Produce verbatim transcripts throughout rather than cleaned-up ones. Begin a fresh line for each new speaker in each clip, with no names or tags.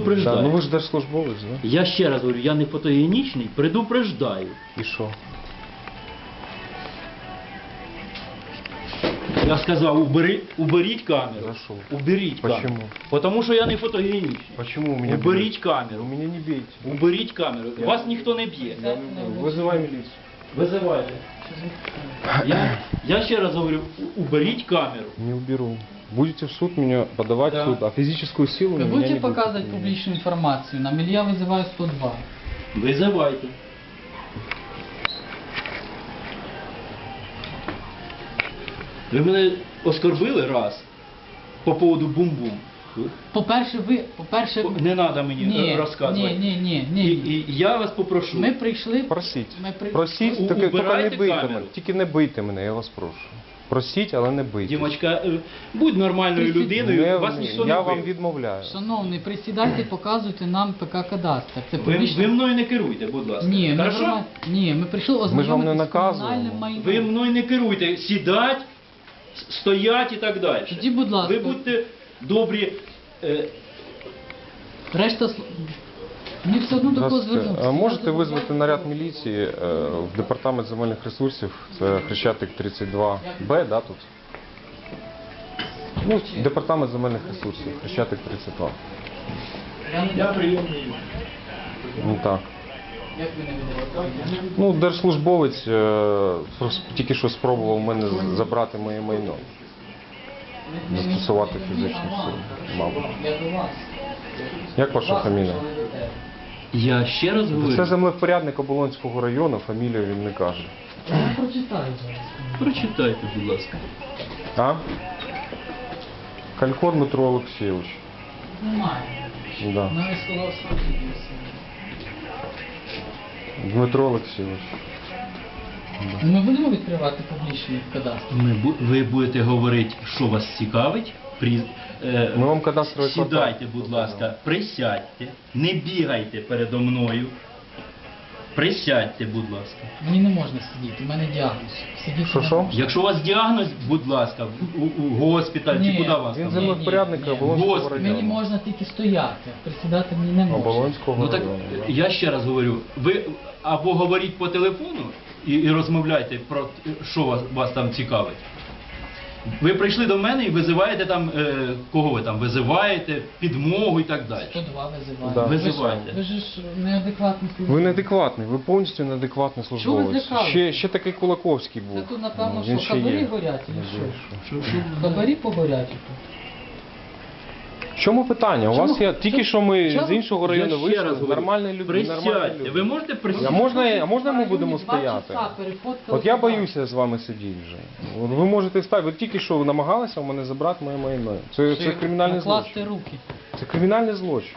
Предупреждаю.
Да, ну ви ж держслужбовець, да?
Я ще раз говорю, я не фотогенічний, предупреждаю.
І що?
Я сказав, убери, уберіть камеру.
За що?
Уберіть камеру.
Почему?
Потому що я не фотогенічний.
Почему у меня
Уберіть
бьют?
камеру.
Вы меня не бейте.
Уберіть камеру.
Я-
Вас ніхто не б'є.
Я не буду. Вызывай милицию.
Визивайте. Я, я ще раз говорю, у- уберіть камеру.
Не уберу. Будете в суд меня подавать
Да.
в суд, а физическую силу
Вы
на меня
будете
не
показывать
будете.
публичную информацию? Нам Илья вызывает сто два.
Визивайте. Ви мене оскорбили раз по поводу бум-бум.
По-перше, ви, по-перше,
Не треба мені
ні,
е, розказувати.
ні, ні, ні,
І,
ні.
і я вас попрошу.
Ми прийшли...
Просіть.
Ми при...
Просіть,
У-
тільки тільки не
убирайте
бийте
камеру.
мене. Тільки не бийте мене, я вас прошу. Просіть, але не бийте.
Дімочка, е, будь нормальною
Присідь.
людиною,
Не-
вас ніхто не
я
бив.
вам відмовляю.
Шановний, присідайте, показуйте нам ПК Кадастр. Це
Ви,
публічно...
ви мною не керуйте, будь ласка.
Ні, ми
Хорошо?
нормально- Ні, ми прийшли
ж вам не
ознайомитися з
наказуємо.
комунальним майном.
Ви мною не керуйте. Сідать, с- стоять і так далі.
Тоді, будь ласка.
Ви будьте добрі. е,
Решта... сл- Мені все одно до кого
Здравствуйте.
звернутися.
А можете
Я
визвати
забуваю.
наряд міліції е, в департамент земельних ресурсів, це Хрещатик тридцять два Б, да, тут? Ну, департамент земельних ресурсів, Хрещатик тридцять два.
Я не-
Я прийомний.
Ну так.
Як ви не видавали?
Ну, держслужбовець е, прос- тільки що спробував у мене з- забрати моє майно. Застосувати фізичну силу, мабуть.
Я до вас.
Як ваша фамілія?
Я ще раз говорю.
Це землевпорядник Оболонського району, фамілію він не каже.
Я прочитаю зараз.
Прочитайте, будь ласка.
А? Калькор Дмитро Олексійович.
Немає.
Да.
Навіть сказав справді.
Дмитро Олексійович.
Ми будемо відкривати публічний кадастр.
Ми, бу- ви будете говорити, що вас цікавить. При, е,
Ми вам кадастровий квартал.
Сідайте, будь ласка, присядьте, не бігайте передо мною. Присядьте, будь ласка.
Мені не можна сидіти, у мене діагноз. Сидіти
Що,
не
що?
можна.
Якщо у вас діагноз, будь ласка, в- у, у госпіталь чи
Ні,
куди вас
Він
там?
землевпорядник
ні, ні.
Оболонського
Господи,
району.
Мені можна тільки стояти, присідати мені не можна.
Оболонського
Ну так
району. да.
я ще раз говорю, ви або говоріть по телефону і, і розмовляйте про т- що вас, вас там цікавить. Ви прийшли до мене і визиваєте там, е, кого ви там визиваєте, підмогу і так далі.
сто два визиває.
Да.
Ви ж-
Визивайте.
Ви ж неадекватний службовець.
Ви неадекватний, ви повністю неадекватний
Чого ви
службовець.
злякались?
Ще, ще такий Кулаковський був.
Це тут, напевно,
Ну, він
що
ще
хабарі
є.
горять, чи
Не
що?
знаю, що.
Що, що?
Хабарі погорять тут.
В чому питання? У
Чому?
вас є тільки що ми
Чому?
з іншого району
Я ще
вийшли,
раз говорю,
нормальні люди. нормальні
присядьте.
люди.
Ви можете
А
присісти?
можна, а можна ми будемо
Два
стояти?
часа перефоткали
От я
туди.
боюся з вами сидіти вже. От ви можете стати, ви тільки що намагалися у мене забрати моє майно. Це, це
Чи
кримінальний
накласти
злочин.
руки.
Це кримінальний злочин.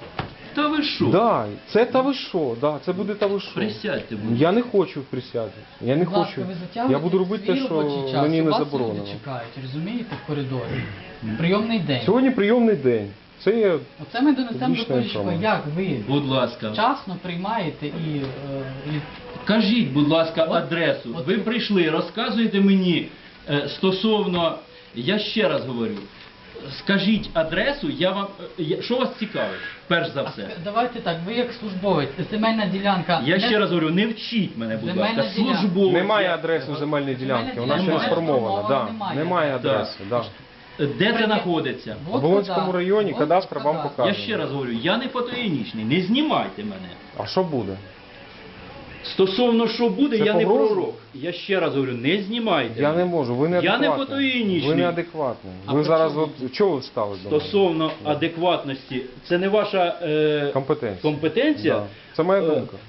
Та ви що?
Да, це та ви що, да, це буде та ви що.
Присядьте, будь ласка.
Я не хочу присяти. Я не
Будь ласка,
хочу.
ви затягуєте
Я буду робити те,
свій
що
робочий час,
мені не
вас
заборонено.
люди чекають, розумієте, в коридорі. Прийомний день.
Сьогодні прийомний день. Це є
Оце ми донесемо до
публічна
Поліщука,
інформація.
як ви
Будь ласка.
вчасно приймаєте і, е, і
Кажіть, будь ласка,
От-
адресу.
от-
Ви прийшли, розказуєте мені е, стосовно, я ще раз говорю, скажіть адресу, я вам, е, я- що вас цікавить, перш за
А
все.
ск- давайте так, ви як службовець, земельна ділянка.
Я
не-
ще раз говорю, не вчіть мене, будь
Земельна
ласка,
ділянка.
службово.
немає адреси земельної ділянки, вона ще не
ділянка
сформована.
сформована,
Да.
немає.
Немає
Так.
адреси. Да.
Де це знаходиться?
В Оболонському районі
От
кадастр вам
кадастр.
покаже.
Я ще раз говорю, я не фотогенічний, не знімайте мене.
А що буде?
Стосовно що буде,
Це
я не
погроза?
пророк. Я ще раз говорю, не знімайте.
Я
мене.
не можу, ви
Я не
неадекватний.
фотогенічний.
Ви неадекватний.
А
Ви
при
зараз,
чому?
от, чого ви встали до мене?
Стосовно адекватності, це не ваша е,
Компетенція.
компетенція?
Да. Це моя
Е,
думка.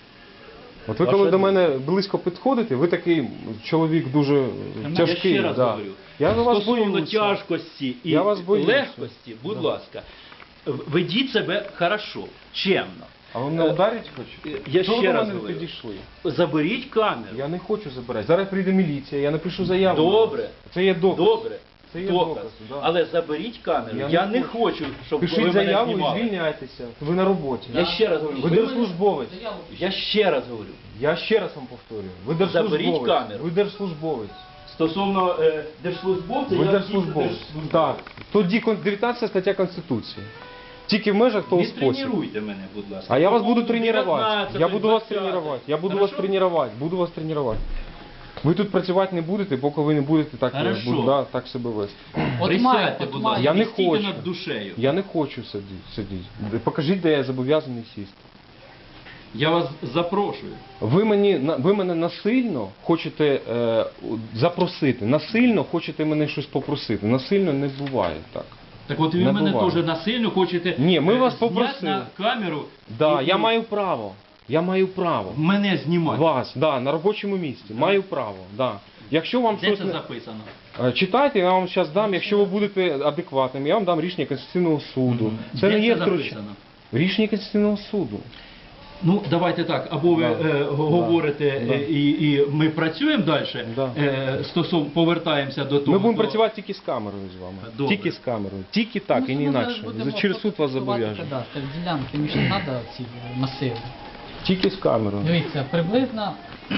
От ви
ваша
коли до
думка.
мене близько підходите, ви такий чоловік дуже
Я
тяжкий.
ще раз
да.
говорю,
Я за вас
стосовно
боюся.
тяжкості і
Я вас боюся.
легкості, будь
Да.
ласка, в- ведіть себе хорошо, чемно.
А ви мене
Е,
ударить хочете?
я
Чого
ще
ви до
раз
мене
говорю.
підійшли?
Заберіть камеру.
Я не хочу забирати. Зараз прийде міліція, я напишу заяву.
Добре.
Це є доказ.
Добре.
Це є
Доказ.
доказ, да.
Але заберіть камеру. Я,
Я
не,
не
хочу, щоб ви
Пишіть
мене
заяву і
знімали.
звільняйтеся. Ви на роботі.
Я ще раз говорю,
Ви
ви
держслужбовець.
Заяву пишіть.
Я ще раз говорю.
Я ще раз вам повторюю. Ви держслужбовець.
Заберіть камеру.
Ви держслужбовець.
Стосовно е, держслужбовця,
Ви
я
держслужбовець.
дійсно
Так. Тоді кон- дев'ятнадцята стаття Конституції. Тільки в межах того спосібу.
Відтренуйте мене, будь ласка.
А я вас
По
буду
поводу
тренувати.
дев'ятнадцятої,
Я буду вас
двадцятої.
тренувати. Я буду вас
Хорошо?
тренувати. Буду вас тренувати. Ви тут працювати не будете, поки ви не будете так,
Хорошо.
буду, да, так себе вести.
От
Присядьте,
має,
будь
от
ласка,
має.
Я не
стійте
хочу.
над душею.
Я не хочу сидіти. сидіти. Покажіть, де я зобов'язаний сісти.
Я вас запрошую.
Ви, мені, на- ви мене насильно хочете е, запросити, насильно хочете мене щось попросити. Насильно не буває так.
Так от ви
Не
мене
буває.
теж насильно хочете
Ні, ми
е,
вас
зняти
попросили.
на камеру.
Да,
і-
я
і
маю право. Я маю право.
мене знімати.
Вас, да, на робочому місці. Маю право. Да. Якщо вам
Де
щось
це
не...
записано?
Е, Читайте, я вам зараз дам, якщо ви будете адекватним, я вам дам рішення Конституційного суду. Це
Де
не є
це
втручання.
записано?
Рішення Конституційного суду.
Ну, давайте так, або ви
Да.
е, г- говорите
Да.
е, і, і ми працюємо далі,
Да.
е, стосовно повертаємося до того.
Ми будемо
до-
працювати тільки з камерою з вами.
Добре.
Тільки з камерою. Тільки так
Ну,
і не
ми зараз
інакше.
будемо
Через суд вас
фотографувати
зобов'яжу.
кадастр, ділянки, мені ж не треба ці масиви.
Тільки з камерою.
Дивіться, приблизно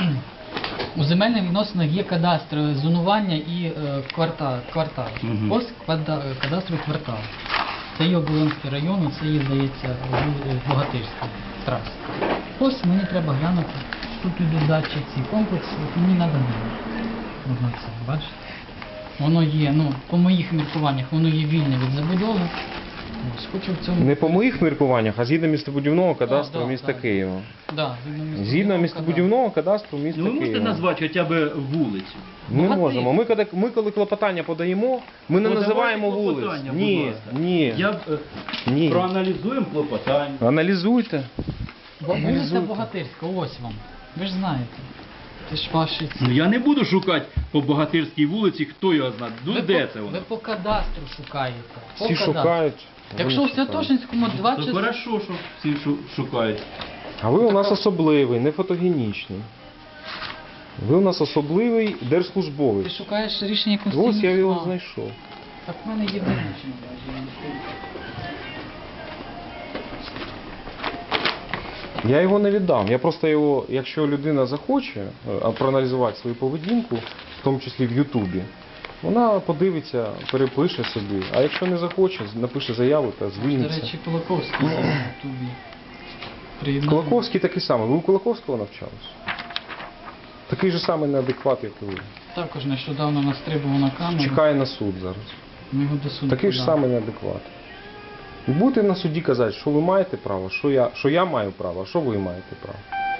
у земельних відносинах є кадастр зонування і е, квартал. квартал.
Мгм.
Ось квада- кадастровий квартал. Це є Оболонський район, це є, здається, Бу- Богатирська траса. Ось мені треба глянути. Тут ідуть дачі ці комплекси, от мені треба Можна це, бачите? Воно є, ну, по моїх міркуваннях, воно є вільне від забудови. Ось, хочу в цьому...
Не по моїх міркуваннях, а згідно містобудівного кадастру
да,
міста
да.
Києва.
Да, згідно
Згідно містобудівного кадастру міста
Ну, ви можете
Києва.
назвати хоча б вулицю?
Ми не
Богатир.
можемо. Ми коли, ми коли клопотання подаємо, ми не
Ну,
називаємо
давайте
вулиць.
клопотання, будь
Ні,
ласка.
ні,
Я б, е,
ні.
проаналізуємо клопотання.
Аналізуйте.
Бо- Вулиця
Аналізуйте.
Богатирська, ось вам. Ви ж знаєте. Це ж ваші ці.
Ну я не буду шукати по Богатирській вулиці, хто його знає. Ну
ви
де
по,
це воно?
Ви по кадастру шукаєте. По
Всі
кадастру.
шукають. а ви
Якщо
не
в
шукаєте.
Святошинському два
То
часа...
хорошо, що всі шу- шукають.
А ви у нас особливий, не фотогенічний. Ви у нас особливий
Ти
держслужбовець.
шукаєш рішення Конституційного
Ось я його
суду.
знайшов.
Так в мене є визначення.
Я його не віддам. Я просто його, якщо людина захоче е, а, проаналізувати свою поведінку, в тому числі в Ютубі, вона подивиться, перепише собі. А якщо не захоче, напише заяву та
До
звільниться.
речі, Кулаковський на Ютубі. Приєднав.
Кулаковський такий самий. Ви у Кулаковського навчались? Такий же самий неадекват, як і ви.
Також нещодавно настрибував на камеру.
Чекає на суд зараз.
Ми його до суду
Такий ж
подали.
самий неадекват. І будете на суді казати, що ви маєте право, що я, що я маю право, а що ви маєте право.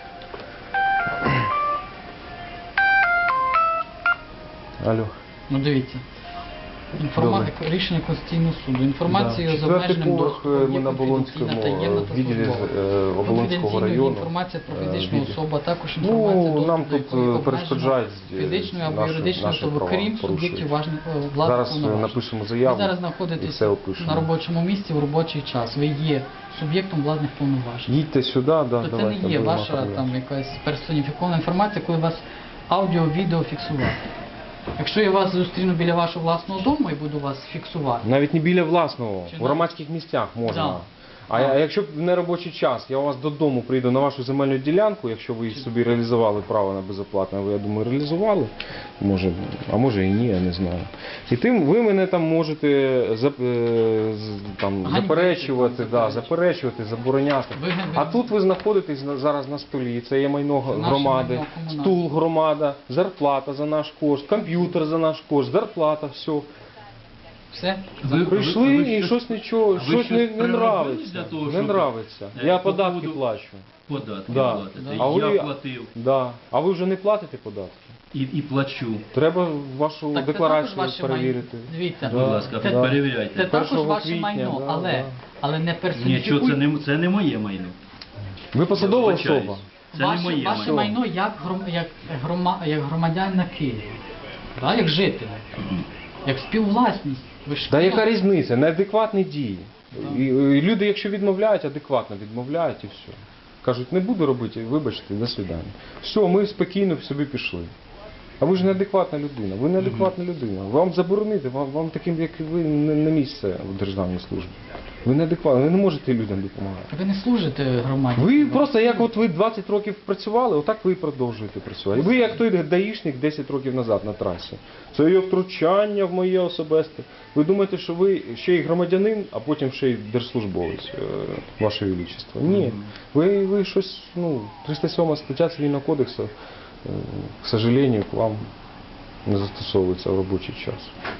Алло.
Ну дивіться. Інформа... Рішення Конституційного суду. Інформацію
Да.
з обмеженим
Четвертий поверх,
доступом
ми
є
на
конфіденційна,
Оболонському,
таємна
е,
та
відділі,
службова.
е, Оболонського
Конфіденційна є
району,
інформація про
е,
фізичну
відділ.
особу, а також інформація
Ну,
доступ
нам
до
тут
якої
е,
обмежена
перешкоджають е,
фізичною або
наші-
юридичною
наші
особою,
права
крім
порушують.
суб'єктів важних е, владних
Зараз е,
повноважень.
напишемо заяву
Ви зараз
і
знаходитесь
все опишемо.
на робочому місці в робочий час. Ви є суб'єктом владних повноважень.
Їдьте сюди, да,
То це
давайте.
не є
будемо
ваша
оформляти.
там якась персоніфікована інформація, коли вас аудіо-відео фіксувати. Якщо я вас зустріну біля вашого власного дому і буду вас фіксувати,
Навіть не біля власного,
Чи
в
на-
громадських місцях можна.
Да.
А,
Да.
а якщо в неробочий час, я у вас додому прийду на вашу земельну ділянку, якщо ви собі реалізували право на безоплатне, ви, я думаю, реалізували, може, а може і ні, я не знаю. І тим ви мене там можете зап- е, з- там,
Ганьбити,
заперечувати,
там,
да,
заперечувати.
заперечувати, забороняти.
Ви- ви-
А тут ви знаходитесь на- зараз на столі, це є майно
Це наше
громади,
майно комунальне.
стул громада, зарплата за наш кошт, комп'ютер за наш кошт, зарплата, все.
все.
Ви-
Прийшли
ви
і
щось-
щось нічого,
ви
щось
щось
не, не
приробили
нравиться.
для того,
Не
щоб-
нравиться.
Е,
Я
по
податки
поводу-
плачу.
Податки
Да.
платите.
Да.
А
Я
ви-
платив
Да. А ви вже не платите податки?
і, і плачу.
Треба вашу
Так це
декларацію
також ваше
перевірити.
майно. Дивіться,
Будь ласка,
це,
перевіряйте.
це також
Першого
ваше
квітня,
майно,
да,
але,
да.
але не
Нічого,
персоніфікуйте.
це не, це не моє майно.
Ви посадова
Я вибачаюсь.
особа.
Це не
ваше,
моє
ваше
майно.
майно як, гром, як, грома, як громадянина Києва, да? Як жителя, як співвласність. Ви ж
Та
Київ-
яка різниця? Неадекватні дії. І, і люди, якщо відмовляють, адекватно відмовляють і все. Кажуть, не буду робити, вибачте, до свидання. Все, ми спокійно собі пішли. А ви ж неадекватна людина. Ви неадекватна людина. Вам заборонити, вам, вам таким, як ви, не, не місце в державній службі. Ви неадекватні, ви не можете людям допомагати.
Ви не служите громаді.
Ви просто як от ви двадцять років працювали, отак ви і продовжуєте працювати. Ви як той даїшник десять років назад на трасі. Це є втручання в моє особисте. Ви думаєте, що ви ще й громадянин, а потім ще й держслужбовець, е, ваше величество. Ні. Ви, ви щось, ну, триста сьома стаття Цивільного кодексу, е, к сожалению, к вам не застосовується в робочий час.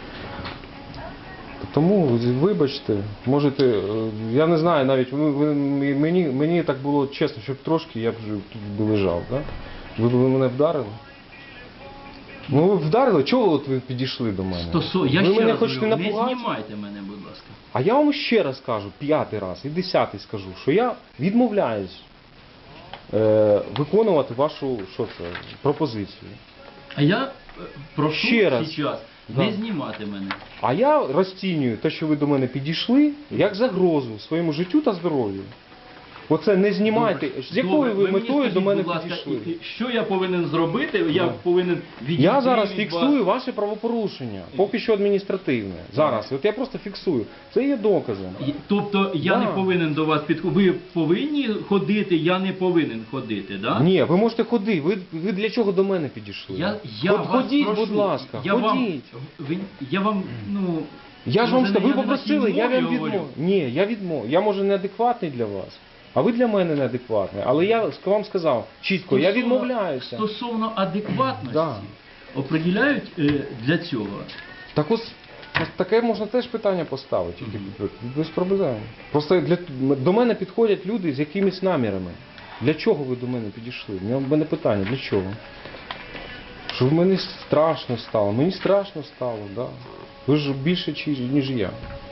Тому, вибачте, можете, е, я не знаю навіть, ви, ви, мені, мені так було чесно, щоб трошки я б вже тут би лежав, да? Ви б мене вдарили? Ну ви вдарили, чого от ви підійшли до мене?
Стосо... Я
ви
ще
мене
раз
хочете
говорю, не
напугати?
знімайте мене, будь ласка.
А я вам ще раз кажу, п'ятий раз і десятий скажу, що я відмовляюсь е, виконувати вашу, що це, пропозицію.
А я е, прошу
Ще раз.
зараз
Да.
не знімати мене.
А я розцінюю те, що ви до мене підійшли, як загрозу своєму життю та здоров'ю. Оце не знімайте.
Добре.
З якою
Добре.
ви
мені
метою
скажіть,
до мене
будь ласка,
підійшли?
і- і що я повинен зробити? Я
Да.
повинен відійти
Я зараз
від
фіксую
вас.
ваше правопорушення, поки що адміністративне. Зараз, от я просто фіксую. Це є доказом.
І- Тобто я
Да.
не повинен до вас підходити. Ви повинні ходити, я не повинен ходити, да?
Ні, ви можете ходити. Ви, ви для чого до мене підійшли?
Я, я
Ход-
вас
ходіть,
прошу,
будь ласка,
я
ходіть.
Вам, ви, я вам, ну...
Я ж вам
може,
сказав, ви
я не на
попросили,
тій
я
мові
вам
говорю?
відмовив. Ні, я відмовив. Я може неадекватний для вас, а ви для мене неадекватний. Але я вам сказав чітко, я
Стосовно-
відмовляюся.
Стосовно адекватності,
Да.
определяють е, для цього.
Так ось ось таке можна теж питання поставити, тільки без проблем. Просто для, до мене підходять люди з якимись намірами. Для чого ви до мене підійшли? У мене питання, для чого? Щоб мені страшно стало. Мені страшно стало, да. Ви ж більше, чи- ніж я.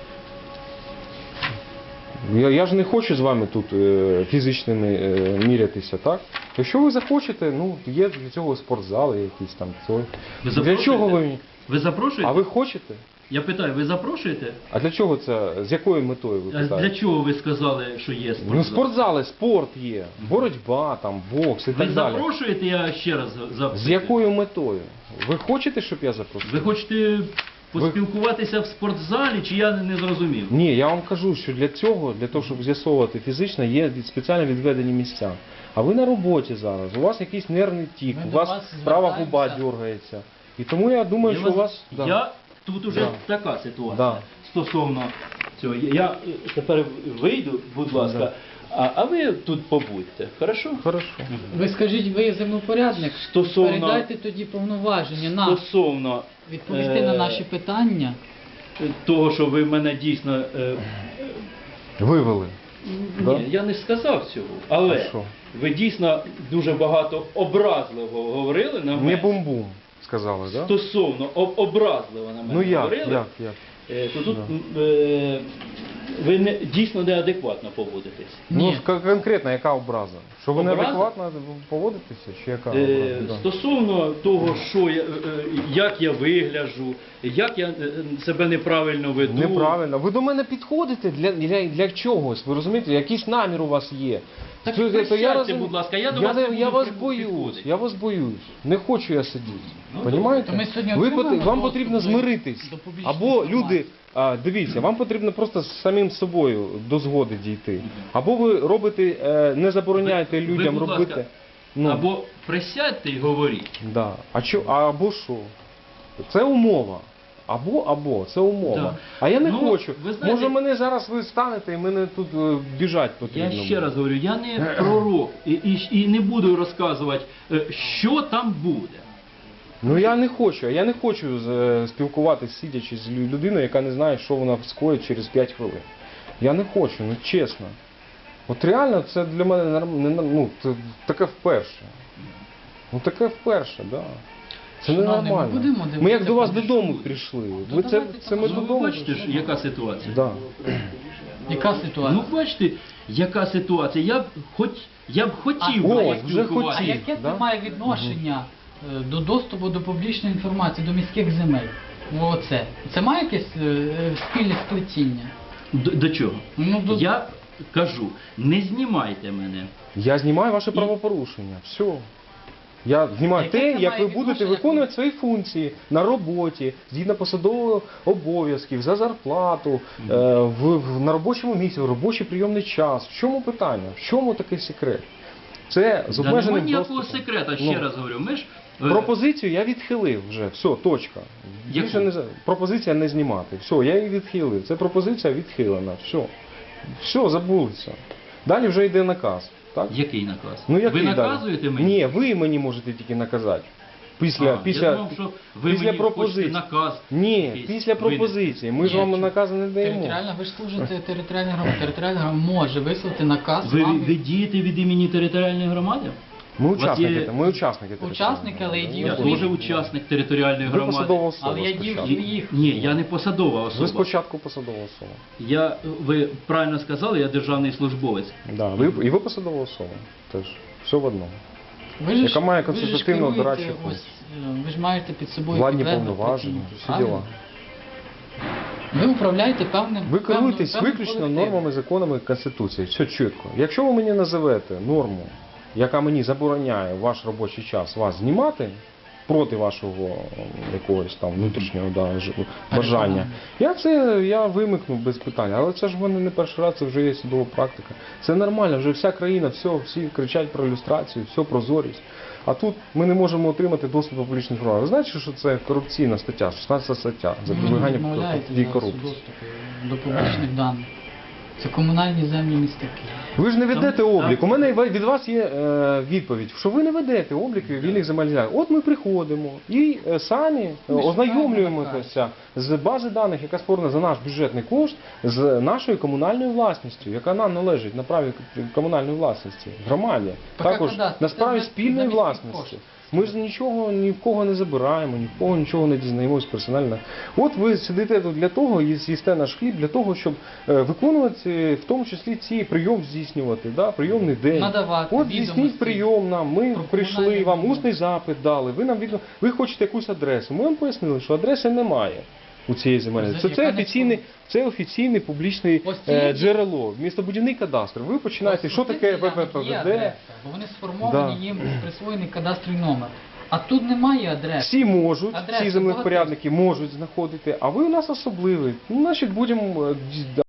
Я, я ж не хочу з вами тут е, фізичними е, мірятися, так? Якщо ви захочете, ну, є для цього спортзали якісь там. Це...
Ви
Для
запрошуєте?
чого ви мені?
Ви запрошуєте?
А ви хочете?
Я питаю, ви запрошуєте?
А для чого це? З якою метою ви
А для
питаєте?
чого ви сказали, що є спортзал?
Ну, спортзали, спорт є, боротьба, там, бокс і
Ви
так далі.
запрошуєте, я ще раз запитую.
З якою метою? Ви хочете, щоб я запросив?
Ви хочете поспілкуватися в спортзалі, чи я не зрозумів?
Ні, я вам кажу, що для цього, для того, щоб з'ясовувати фізично, є від- спеціально відведені місця. А ви на роботі зараз, у вас якийсь нервний тік,
Ми
у
до
вас
вас
права
звертаємося.
губа дергається. І тому я думаю,
Я
що у
вас-
вас... да.
Я тут уже
Да.
така ситуація
Да.
стосовно цього. Я е, тепер вийду, будь ласка,
Да.
а, а ви тут побудьте, хорошо?
Хорошо.
Ви скажіть, ви землепорядник,
Стосовно-
передайте тоді повноваження нам
Стосовно
відповісти
е,
на наші питання.
того, що ви мене дійсно... е,
Вивели. Да?
Ні, я не сказав цього, але
А що?
ви дійсно дуже багато образливо говорили на
Не
мене.
бум-бум, сказали, так? Да?
Стосовно об- образливо на мене
Ну як,
говорили,
як, як?
е, то тут е, ви не, дійсно неадекватно поводитесь.
Ну,
Ні.
к- конкретно, яка образа? Що ви
Образа?
неадекватно поводитеся, чи яка
Е,
образа? Да.
Стосовно того, що я, е, е, як я вигляджу, як я е, себе неправильно веду.
Неправильно. Ви до мене підходите для, для, для чогось, ви розумієте? Якийсь намір у вас є.
Так
Це- це-
присядьте,
розумію.
будь ласка, я до
я,
вас
не-
не буду
я вас
при-
боюсь,
підходити.
я вас боюсь. Не хочу я сидіти.
Ну,
Понімаєте?
то ми сьогодні
Ви
отримаємо
пот- вам
доступ
потрібно
до-
змиритись.
до публічної
Або
інформації.
люди, а, дивіться, вам потрібно просто з самим собою до згоди дійти. Або ви робите, е, не забороняєте
Ви- ви,
людям
будь
робити.
ласка,
Ну,
Або присядьте і говоріть.
да. А що, а або що? Це умова. Або, або, це умова.
Да.
А я не
Ну,
хочу.
ви знаєте-
Може мене зараз ви станете і мене тут е, біжать потрібно.
Я ще
буде.
раз говорю, я не пророк і, і, і не буду розказувати, е, що там буде.
Ну я не хочу, я не хочу е, спілкуватися, сидячи з лю- людиною, яка не знає, що вона скоїть через п'ять хвилин. Я не хочу, ну чесно. От реально це для мене норм- не норм- ну, це таке вперше. Ну таке вперше, так. Да. Це
Шановний, ми
ненормально.
будемо
Ми як
дивитися
до вас
там
додому
люди.
прийшли.
Ну,
Ви це,
давайте
це ми
так.
Ну, ви
додому
бачите,
прийшли.
ж, яка ситуація?
Да.
Яка ситуація?
Ну бачите, яка ситуація. Я б хоч я б хотів
А,
би
о, вже
поспілкуватися.
А
хотів.
яке
да?
це має відношення е, до доступу до публічної інформації, до міських земель? Оце. Це має якесь е, е, спільне сплетіння?
До, до чого?
Ну, до...
Я кажу, не знімайте мене.
Я знімаю ваше
І-
правопорушення. Все. Я знімаю
Яке
те,
це
як
має
ви будете
відношення,
виконувати
коли-
свої функції на роботі, згідно посадових обов'язків, за зарплату, е, в, в, на робочому місці, в робочий прийомний час. В чому питання? В чому такий секрет? Це з
Да
обмеженим
немає ніякого
доступом.
секрета, ще
Ну,
раз говорю. Ми ж е,
Пропозицію я відхилив вже, все, точка.
Яку?
Більше не за- пропозиція не знімати. Все, я її відхилив. Це пропозиція відхилена. Все. Все, забулися. Далі вже йде наказ. Так?
який наказ?
Ну, який
ви
далі?
наказуєте мені?
Ні, ви мені можете тільки наказати. Після,
А,
після,
я думав, що ви
після
мені
пропозиції.
хочете наказ.
Ні,
якийсь
після
винести.
пропозиції. Ми ж
Ні,
вам
чому?
накази не даємо.
Територіальна, ви ж служите територіальній громаді. Територіальна громада може висловити наказ
Ви,
вам.
ви дієте від імені територіальної громади?
Ми
У вас
учасники,
є-
ми учасники.
Учасники, але й
територіальної
Я
діють.
громади.
теж учасник територіальної
Ви
громади.
посадова особа
Але я дію
спочатку.
своїх.
Ні, я не посадова
Ви
особа.
спочатку посадова особа.
Я, ви правильно сказали, я державний службовець.
Да, ви, і ви посадова особа. Теж. Все в одному.
Ви ж-
Яка має
ви ж
консультативно
керуєте,
дорадчу
ось,
функцію.
е, Ви ж маєте під собою
Владні
підлеглих
повноваження,
працівників,
всі
правильно?
діла.
Ви управляєте певним.
Ви
певною-
керуєтесь
певним
виключно
колективом.
нормами, законами Конституції. Все чітко. Якщо ви мені називете норму, яка мені забороняє в ваш робочий час вас знімати проти вашого м, якогось там внутрішнього да, ж- бажання, я це я вимикну без питань. Але це ж в мене не перший раз, це вже є судова практика. Це нормально, вже вся країна, все, всі кричать про люстрацію, все прозорість. А тут ми не можемо отримати доступ до публічних інформації. Ви знаєте, що це корупційна стаття, шістнадцята стаття,
Ви не
запобігання
відмовляєте
дій
зараз у
корупції.
доступі до публічних даних. Це комунальні землі міста Києва.
Ви ж не ведете
Там-
облік.
там-
У мене від вас є е, відповідь, що ви не ведете облік вільних земельних ділянок. От ми приходимо і е, самі е,
Ми ж
ознайомлюємося з бази даних, яка створена за наш бюджетний кошт, з нашою комунальною власністю, яка нам належить на праві комунальної власності, громаді.
Поки
Також
кадастр,
на
це
справі
за-
спільної
за міських
власності.
коштів.
Ми ж нічого ні в кого не забираємо, ні в кого нічого не дізнаємось персонально. От ви сидите тут для того, і з'їсте наш хліб, для того, щоб е, виконувати, в тому числі ці прийом здійснювати, да, прийомний день.
Надавати
От
відомості
здійсніть прийом нам, ми
про
прийшли,
комунальні
вам
майно.
усний запит дали, ви нам відно... ви хочете якусь адресу. Ми вам пояснили, що адреси немає у цієї земельної. Це,
Яка
це
не
офіційний, це офіційний публічний
Ось
е,
ці-
джерело, містобудівний кадастр. Ви починаєте, що таке
Є
ВППВД.
адреса, бо вони сформовані,
Да.
їм присвоєний кадастровий номер. А тут немає адреси.
Всі можуть,
Адреси
всі землевпорядники можуть знаходити, а ви у нас особливий. Ну, значить, будемо е,